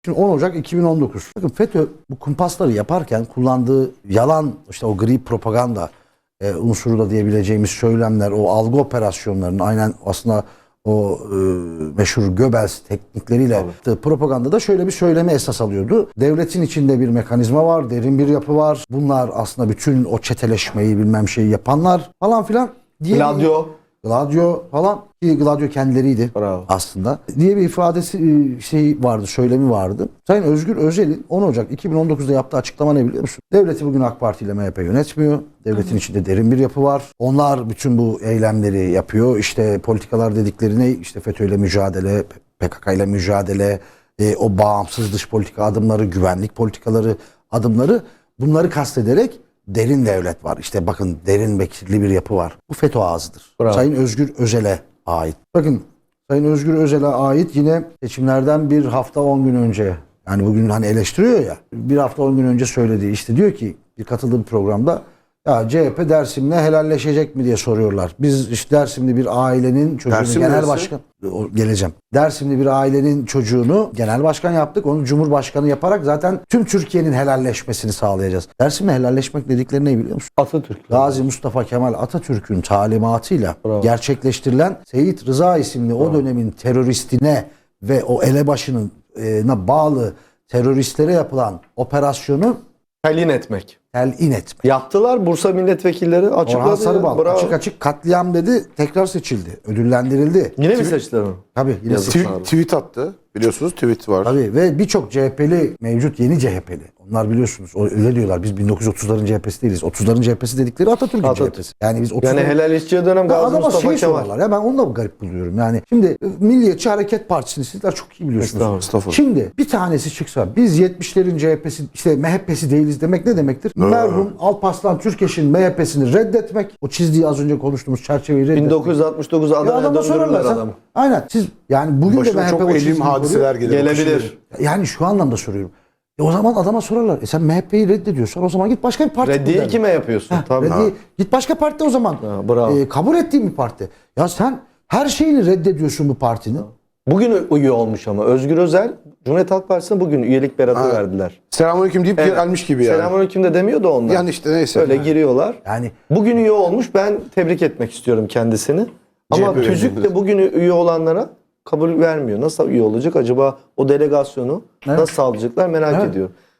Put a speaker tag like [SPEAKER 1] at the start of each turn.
[SPEAKER 1] Şimdi 10 Ocak 2019. Bakın FETÖ bu kumpasları yaparken kullandığı yalan, işte o gri propaganda unsuru da diyebileceğimiz söylemler, o algı operasyonlarının aynen aslında o meşhur Göbels teknikleriyle yaptığı propagandada şöyle bir söylemi esas alıyordu. Devletin içinde bir mekanizma var, derin bir yapı var. Bunlar aslında bütün o çeteleşmeyi bilmem şeyi yapanlar falan filan diye. Gladio falan, ki Gladio kendileriydi.
[SPEAKER 2] Bravo.
[SPEAKER 1] Aslında diye bir ifadesi vardı, söylemi vardı. Sayın Özgür Özel'in 10 Ocak 2019'da yaptığı açıklama ne biliyor musun? Devleti bugün AK Parti ile MHP yönetmiyor. Devletin içinde derin bir yapı var. Onlar bütün bu eylemleri yapıyor. İşte politikalar dedikleri ne? İşte FETÖ ile mücadele, PKK ile mücadele, o bağımsız dış politika adımları, güvenlik politikaları adımları, bunları kastederek derin devlet var. İşte bakın, derin bekirli bir yapı var. Bu FETÖ ağzıdır.
[SPEAKER 2] Bravo.
[SPEAKER 1] Sayın Özgür Özel'e ait. Bakın, Sayın Özgür Özel'e ait yine seçimlerden bir hafta 10 gün önce, yani bugün hani eleştiriyor ya, bir hafta 10 gün önce söylediği, işte diyor ki bir katıldığı bir programda, ya CHP Dersim'le helalleşecek mi diye soruyorlar. Biz işte Dersimli bir ailenin çocuğunu
[SPEAKER 3] Dersim
[SPEAKER 1] genel
[SPEAKER 3] neresi?
[SPEAKER 1] başkan, geleceğim. Dersimli bir ailenin çocuğunu genel başkan yaptık. Onu cumhurbaşkanı yaparak zaten tüm Türkiye'nin helalleşmesini sağlayacağız. Dersim'le helalleşmek dedikleri ne biliyor musun?
[SPEAKER 2] Atatürk.
[SPEAKER 1] Gazi Mustafa Kemal Atatürk'ün talimatıyla gerçekleştirilen Seyit Rıza isimli o dönemin teröristine ve o elebaşına bağlı teröristlere yapılan operasyonu
[SPEAKER 2] Telin etmek.
[SPEAKER 1] telin etmek.
[SPEAKER 2] Yaptılar, Bursa milletvekilleri açıkladı.
[SPEAKER 1] Orhan Sarıbal
[SPEAKER 2] Bravo.
[SPEAKER 1] açık açık katliam dedi, tekrar seçildi, ödüllendirildi.
[SPEAKER 2] Yine mi seçtiler onu?
[SPEAKER 1] Tabii yine
[SPEAKER 2] Yazık.
[SPEAKER 1] seçildi.
[SPEAKER 3] Tweet attı. Biliyorsunuz tweet var.
[SPEAKER 1] Tabii, ve birçok CHP'li mevcut, yeni CHP'li. Onlar biliyorsunuz öyle diyorlar. Biz 1930'ların CHP'si değiliz. 30'ların CHP'si dedikleri Atatürk'ün
[SPEAKER 2] Atatürk.
[SPEAKER 1] CHP'si. Yani biz 30'ların...
[SPEAKER 2] Yani helalleşeceği dönem Gazi
[SPEAKER 1] Adama
[SPEAKER 2] Mustafa
[SPEAKER 1] şey
[SPEAKER 2] Kemal.
[SPEAKER 1] sorarlar ya, ben onu da garip buluyorum. Yani şimdi Milliyetçi Hareket Partisi'ni sizler çok iyi biliyorsunuz.
[SPEAKER 3] Estağfurullah.
[SPEAKER 1] Şimdi bir tanesi çıksa, biz 70'lerin CHP'si, işte MHP'si değiliz demek ne demektir? Merhum Alparslan Türkeş'in MHP'sini reddetmek, o çizdiği az önce konuştuğumuz çerçeveyi reddetmek.
[SPEAKER 2] 1969
[SPEAKER 1] Ya
[SPEAKER 2] Adana'ya
[SPEAKER 1] adama
[SPEAKER 2] döndürürler
[SPEAKER 1] sorarlar.
[SPEAKER 2] adamı.
[SPEAKER 1] Aynen. Siz yani bugün de
[SPEAKER 3] Başına
[SPEAKER 1] MHP
[SPEAKER 3] çok
[SPEAKER 1] o
[SPEAKER 3] elim
[SPEAKER 1] çizgiyi
[SPEAKER 3] hadiseler
[SPEAKER 1] koruyor.
[SPEAKER 3] gelir.
[SPEAKER 2] Gelebilir.
[SPEAKER 1] Yani şu anlamda soruyorum. O zaman adama sorarlar. Sen MHP'yi reddediyorsan o zaman git başka bir parti.
[SPEAKER 2] Reddiye kime yapıyorsun? Tabii.
[SPEAKER 1] Git başka partide o zaman.
[SPEAKER 2] bravo.
[SPEAKER 1] Kabul ettiğin bir parti. Ya sen her şeyini reddediyorsun bu partinin.
[SPEAKER 2] Bugün üye olmuş ama Özgür Özel Cumhuriyet Halk Partisi'ne bugün üyelik beratı verdiler.
[SPEAKER 3] Selamünaleyküm deyip gelmiş gibi yani.
[SPEAKER 2] Selamünaleyküm de demiyor da onlar.
[SPEAKER 3] Yani işte neyse.
[SPEAKER 2] Öyle giriyorlar.
[SPEAKER 1] Yani
[SPEAKER 2] Bugün üye olmuş. Ben tebrik etmek istiyorum kendisini. Ama
[SPEAKER 3] CHP
[SPEAKER 2] TÜZÜK de bugün üye olanlara kabul vermiyor. Nasıl üye olacak acaba, o delegasyonu nasıl sağlayacaklar merak ediyorum.